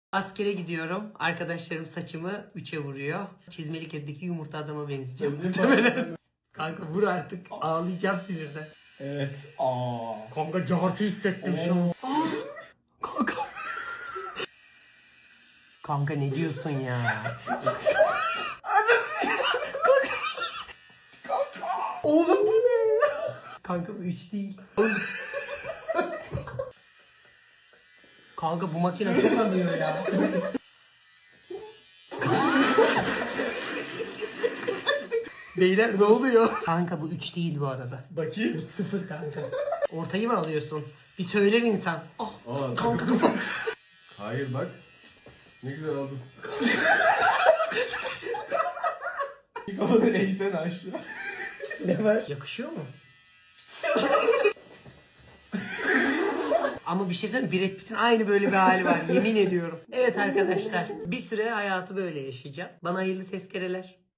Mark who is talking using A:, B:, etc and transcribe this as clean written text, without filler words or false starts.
A: Askere gidiyorum. Arkadaşlarım saçımı 3'e vuruyor. Çizmeli kedideki yumurta adama benzeyeceğim muhtemelen. Kanka vur artık. Ağlayacağım sinirden.
B: Evet.
A: Kanka cartı hissettim şu an. Kanka. Kanka ne diyorsun ya? Oğlum bu ne? Kanka bu 3 değil. Kanka bu makine çok alıyor ya. Beyler ne oluyor? Kanka bu 3 değil bu arada.
B: Bakayım.
A: 0 kanka. Ortayı mı alıyorsun? Bir söyler insan. Ah,
C: Aa,
A: kanka.
C: Hayır bak. Ne güzel aldın.
B: Kafanı eğsene aşağı. Ne var?
A: Yakışıyor mu? Ama bir şey söyleyeyim, Brad Pitt'in aynı böyle bir hali var, yemin ediyorum. Evet arkadaşlar, bir süre hayatı böyle yaşayacağım. Bana hayırlı tezkereler.